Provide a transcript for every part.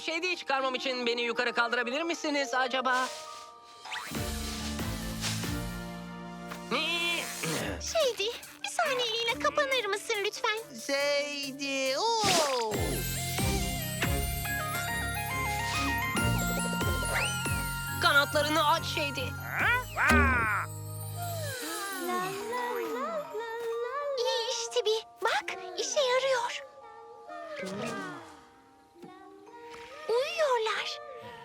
Şey değil, çıkarmam için beni yukarı kaldırabilir misiniz acaba? Şeydi, bir saniyeliğine kapanır mısın lütfen? Şeydi. Oo. Kanatlarını aç Şeydi. İyi işte bir. Bak, işe yarıyor. Uyuyorlar.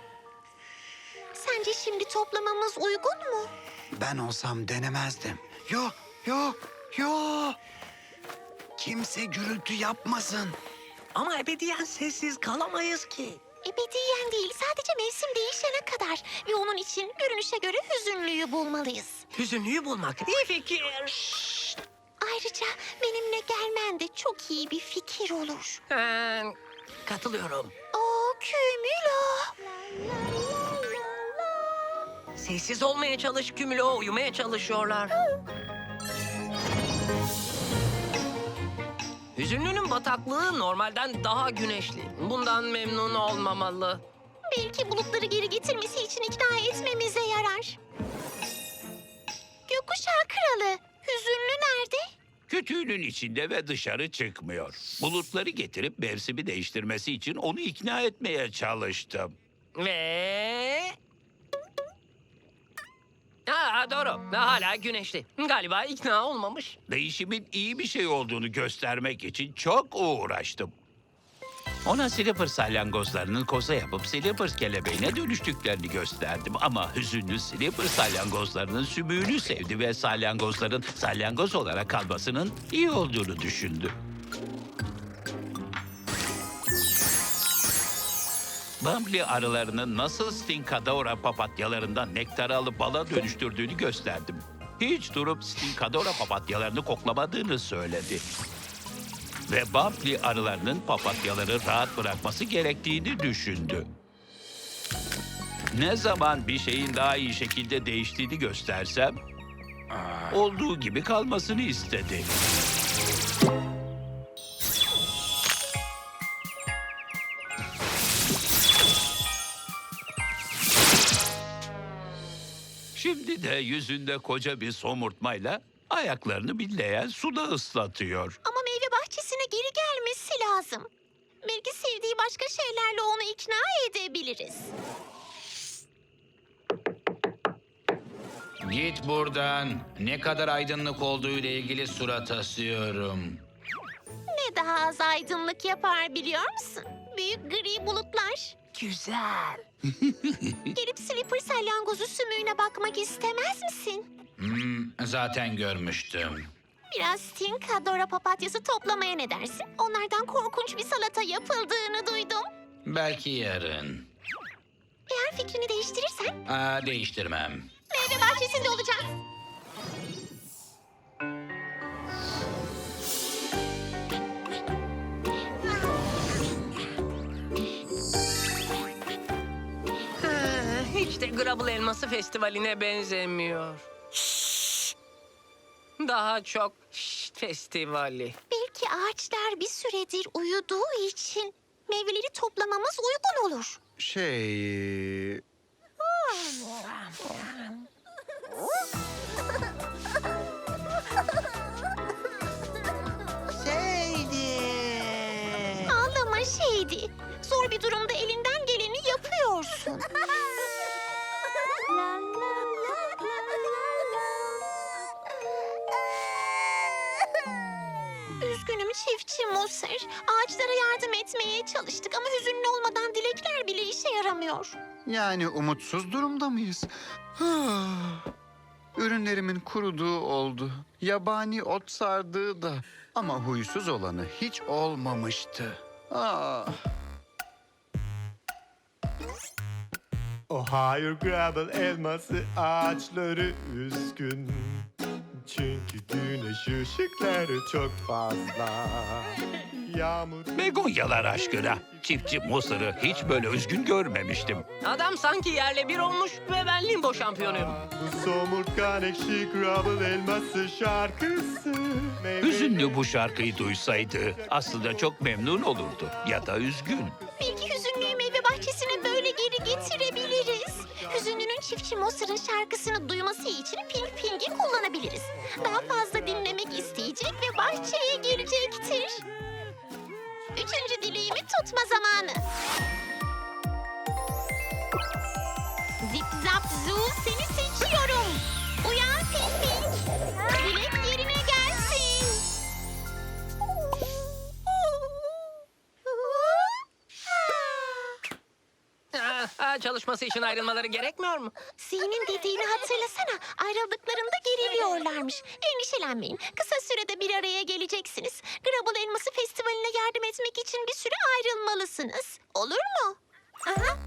Sence şimdi toplamamız uygun mu? Ben olsam denemezdim. Yok, yok, yok. Kimse gürültü yapmasın. Ama ebediyen sessiz kalamayız ki. Ebediyen değil, sadece mevsim değişene kadar. Ve onun için görünüşe göre hüzünlüyü bulmalıyız. Hüzünlüyü bulmak iyi fikir. Ayrıca benimle gelmen de çok iyi bir fikir olur. Katılıyorum. Oo, Kümülo. Sessiz olmaya çalış Kümülo, uyumaya çalışıyorlar. Hüzünlünün bataklığı normalden daha güneşli. Bundan memnun olmamalı. Belki bulutları geri getirmesi için ikna etmemize yarar. Gökkuşağı kralı, hüzünlü nerede? Kütüğünün içinde ve dışarı çıkmıyor. Bulutları getirip mevsimi değiştirmesi için onu ikna etmeye çalıştım. Ve... doğru. Hala güneşli. Galiba ikna olmamış. Değişimin iyi bir şey olduğunu göstermek için çok uğraştım. Ona Slipper salyangozlarının koza yapıp Slipper kelebeğine dönüştüklerini gösterdim. Ama hüzünlü Slipper salyangozlarının sümüğünü sevdi ve salyangozların salyangoz olarak kalmasının iyi olduğunu düşündü. Bumbly arılarının nasıl Stinkadora papatyalarından nektarı alıp bala dönüştürdüğünü gösterdim. Hiç durup Stinkadora papatyalarını koklamadığını söyledi. Ve Bumbly arılarının papatyaları rahat bırakması gerektiğini düşündü. Ne zaman bir şeyin daha iyi şekilde değiştiğini göstersem, olduğu gibi kalmasını istedi. Şimdi de yüzünde koca bir somurtmayla ayaklarını billeyen suda ıslatıyor. Ama meyve bahçesine geri gelmesi lazım. Belki sevdiği başka şeylerle onu ikna edebiliriz. Git buradan. Ne kadar aydınlık olduğu ile ilgili surat asıyorum. Ne daha az aydınlık yapar biliyor musun? Büyük gri bulutlar. Güzel. Gelip Slipper salyangozu sümüğüne bakmak istemez misin? Zaten görmüştüm. Biraz Stinkadora papatyası toplamaya ne dersin? Onlardan korkunç bir salata yapıldığını duydum. Belki yarın. Eğer fikrini değiştirirsen Değiştirmem. meyve bahçesinde olacağız. Hiç de Grubble Elması Festivali'ne benzemiyor. Daha çok festivali. Belki ağaçlar bir süredir uyuduğu için meyveleri toplamamız uygun olur. Şey... Şeydi. Ağlama şeydi. Zor bir durumda elinden geleni yapıyorsun. Üzgünüm çiftçi Moser. Ağaçlara yardım etmeye çalıştık ama hüzünlü olmadan dilekler bile işe yaramıyor. Yani umutsuz durumda mıyız? Ürünlerimin kuruduğu oldu. Yabani ot sardığı da. Ama huysuz olanı hiç olmamıştı. Ohio Gravel elması ağaçları üzgün. Çünkü güneş ışıkları çok fazla. Yağmur... Begonyalar aşkına. Çiftçi Mosır'ı hiç böyle üzgün görmemiştim. Adam sanki yerle bir olmuş ve ben limbo şampiyonuyum. Bu somurtkan ekşi Gravel elması şarkısı. Hüzünlü bu şarkıyı duysaydı aslında çok memnun olurdu ya da üzgün. Belki hüzünlüyü meyve bahçesine Çiftçi Mosır'ın şarkısını duyması için Pink Pink'i kullanabiliriz. Daha fazla dinlemek isteyecek ve bahçeye gelecektir. 3. dileğimi tutma zamanı. Zip zap zoo, seni seçiyorum. Uyan Pink Pink. Dilek yerine gelsin. Çalışması için ayrılmaları gerekmiyor mu? Z'nin dediğini hatırlasana. Ayrıldıklarında geriliyorlarmış. Endişelenmeyin. Kısa sürede bir araya geleceksiniz. Grubble Elması Festivali'ne yardım etmek için bir süre ayrılmalısınız. Olur mu? Aha.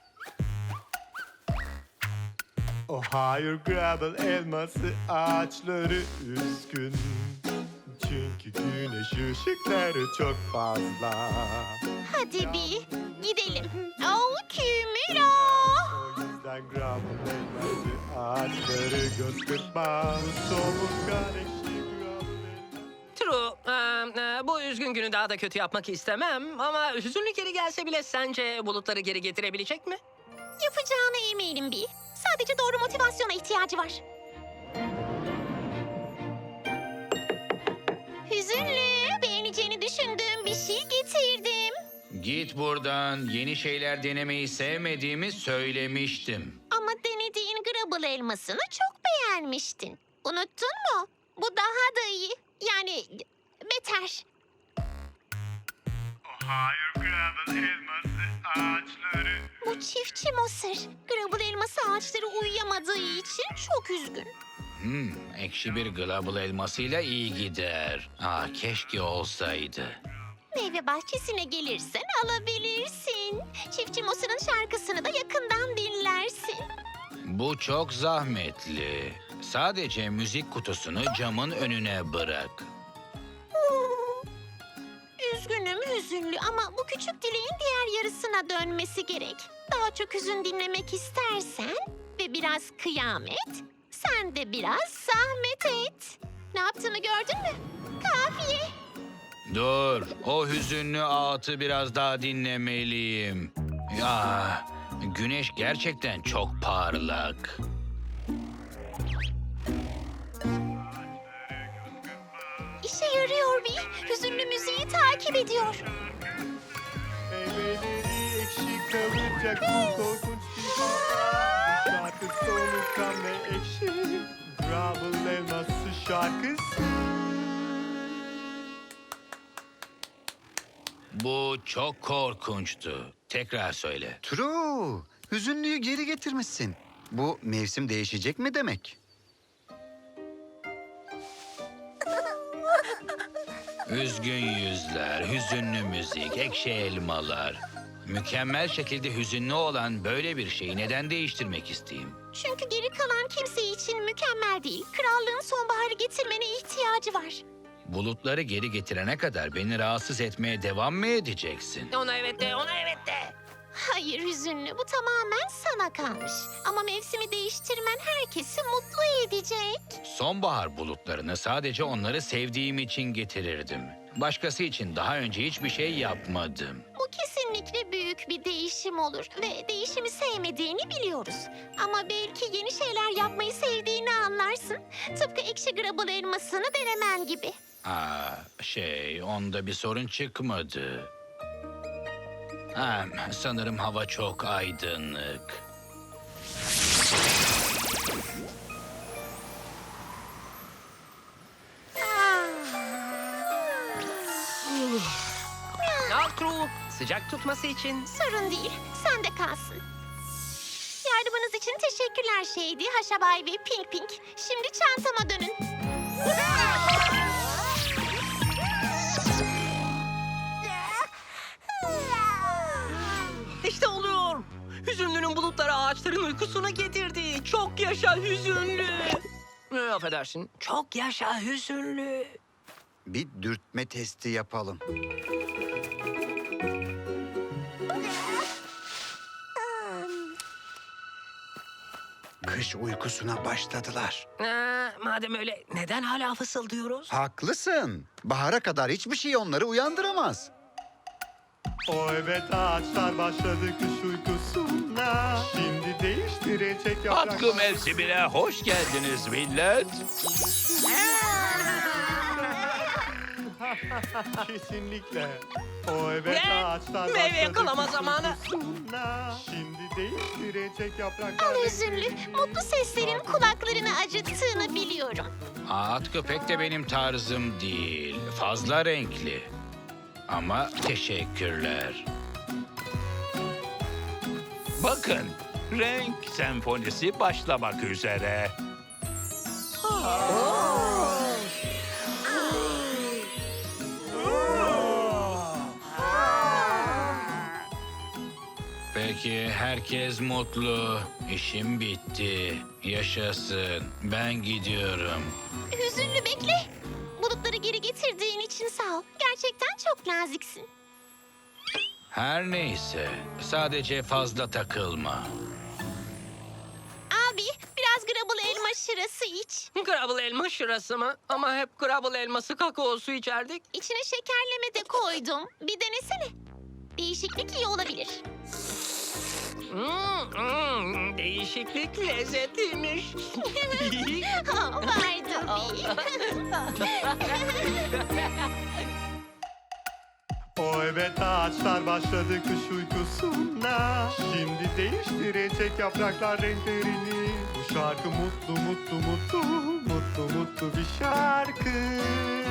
Oh hayır Grubble elması ağaçları üzgün. Çünkü güneş ışıkları çok fazla. Hadi bir gidelim. Oh Kümüra. O yüzden Grubble elması ağaçları göz kırpma. Somurtkan ekşi Grubble elması. True. Bu üzgün günü daha da kötü yapmak istemem ama hüzünlü geri gelse bile sence bulutları geri getirebilecek mi? Yapacağına eminim bir. Sadece doğru motivasyona ihtiyacı var. Hüzünlü, beğeneceğini düşündüğüm bir şey getirdim. Git buradan. Yeni şeyler denemeyi sevmediğimi söylemiştim. Ama denediğin Grubble elmasını çok beğenmiştin. Unuttun mu? Bu daha da iyi. Yani beter. Oh hayır Grubble elması ağaçları. Bu çiftçi Mosır. Grubble elması ağaçları uyuyamadığı için çok üzgün. Ekşi bir Grubble elmasıyla iyi gider. Keşke olsaydı. Meyve bahçesine gelirsen alabilirsin. Çiftçi Mosır'ın şarkısını da yakından dinlersin. Bu çok zahmetli. Sadece müzik kutusunu camın önüne bırak. Üzgünüm hüzünlü ama bu küçük dileğin diğer yarısına dönmesi gerek. Daha çok hüzün dinlemek istersen ve biraz kıyamet, sen de biraz zahmet et. Ne yaptığımı gördün mü? Kafiye. Dur, o hüzünlü ağıtı biraz daha dinlemeliyim. Ya, güneş gerçekten çok parlak. İşe yarıyor bir. Hüzünlü müziği takip ediyor. Meyveleri ekşi kalacak bu korkunç bir hata. Şarkı somurtkan ve ekşi. Grubble elması şarkısı. Bu çok korkunçtu. Tekrar söyle. True. Hüzünlüyü geri getirmişsin. Bu mevsim değişecek mi demek? Üzgün yüzler, hüzünlü müzik, ekşi elmalar. Mükemmel şekilde hüzünlü olan böyle bir şeyi neden değiştirmek isteyeyim? Çünkü geri kalan kimse için mükemmel değil. Krallığın sonbaharı getirmene ihtiyacı var. Bulutları geri getirene kadar beni rahatsız etmeye devam mı edeceksin? Ona evet de, ona evet de. Hayır hüzünlü, bu tamamen sana kalmış. Ama mevsimi değiştirmen herkesi mutlu edecek. Sonbahar bulutlarını sadece onları sevdiğim için getirirdim. Başkası için daha önce hiçbir şey yapmadım. Bu kesinlikle büyük bir değişim olur ve değişimi sevmediğini biliyoruz. Ama belki yeni şeyler yapmayı sevdiğini anlarsın. Tıpkı ekşi Grubble elmasını denemen gibi. Onda bir sorun çıkmadı. Sanırım hava çok aydınlık. Al True. Sıcak tutması için. Sorun değil, sen de kalsın. Yardımınız için teşekkürler Shady, Haşabay ve Pink Pink. Şimdi çantama dönün. İşte oluyor. Hüzünlünün bulutları ağaçların uykusuna getirdi. Çok yaşa hüzünlü. Affedersin. Çok yaşa hüzünlü. Bir dürtme testi yapalım. Kış uykusuna başladılar. Madem öyle neden hala fısıldıyoruz? Haklısın. Bahara kadar hiçbir şey onları uyandıramaz. O evet ağaçlar başladı kış uykusuna. Şimdi değiştirecek yapraklar. Katkı mevsimine hoş geldiniz millet. Kesinlikle. O evet Ne? ağaçlar Meyve başladı yakalama kış zamanı. uykusuna. Şimdi değiştirecek yapraklar. Al hüzünlü, mutlu seslerin kulaklarını acıttığını biliyorum. At köpek de benim tarzım değil. Fazla renkli. Ama teşekkürler. Bakın, renk senfonisi başlamak üzere. Peki herkes mutlu. İşim bitti. Yaşasın. Ben gidiyorum. Hüzünlü bekle. Bulutları geri getirdiğin için sağ ol. Gerçekten çok naziksin. Her neyse. Sadece fazla takılma. Abi, biraz grabble elma şırası iç. Grubble elma şırası mı? Ama hep Grubble elması kakaosu içerdik. İçine şekerleme de koydum. Bir denesene. Değişiklik iyi olabilir. Değişiklik lezzetliymiş. Vardı O evet ağaçlar başladı kış uykusuna. Şimdi değiştirecek yapraklar renklerini. Bu şarkı mutlu mutlu mutlu mutlu mutlu bir şarkı.